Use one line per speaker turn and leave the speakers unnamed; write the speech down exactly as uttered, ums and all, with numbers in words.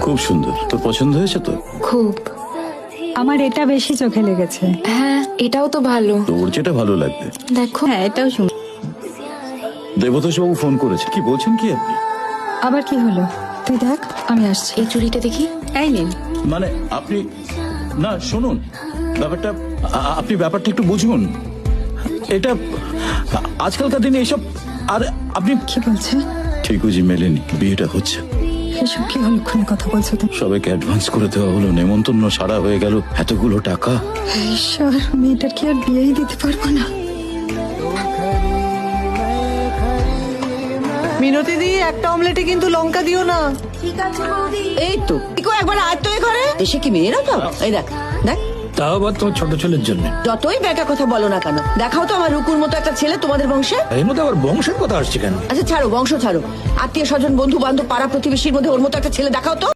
খুব সুন্দর। তোর পছন্দ হয়েছে তো?
খুব।
আমার এটা বেশি চোখে লেগেছে।
হ্যাঁ, এটাও তো ভালো।
তোর যেটা ভালো লাগবে।
দেখো।
হ্যাঁ, এটাও শুন।
দেবতোষ বাবু ফোন করেছে। কি বলছেন কি আপনি?
আবার কি হলো? তুই দেখ, আমি আসছি।
এই চুড়িটা দেখি।
এই নিন।
মানে আপনি না শুনুন, ব্যাপারটা আ- আপনি ব্যাপারটা একটু বুঝুন। এটা আজকালকার দিনে এসব। আর আপনি
কি বলছে?
ঠিক বুঝি মেলেনি, বিয়েটা হচ্ছে।
এসব কি অলক্ষণে কথা বলছো তুমি?
সবাইকে অ্যাডভান্স করে দেওয়া হলো, নেমন্তন্ন সারা হয়ে গেল, এতগুলো টাকা।
ঈশ্বর, মেয়েটার কি আর বিয়েই দিতে পারবো না?
মিনতি দি, একটা অমলেটে কিন্তু লঙ্কা দিও না।
এই তো ইকো একবার আয় তো এ ঘরে। এসে কি মেয়েরা তো? এই দেখ দেখ,
তাও আবার তোমার ছোট ছেলের জন্য।
যতই বেটা কথা বলো না কেন, দেখাও তো আমার রুকুর মতো একটা ছেলে তোমাদের বংশে।
এর মধ্যে আবার বংশের কথা আসছে কেন?
আচ্ছা ছাড়ো, বংশ ছাড়ো, আত্মীয় স্বজন বন্ধু বান্ধব পাড়া প্রতিবেশীর মধ্যে ওর মতো একটা ছেলে দেখাও তো।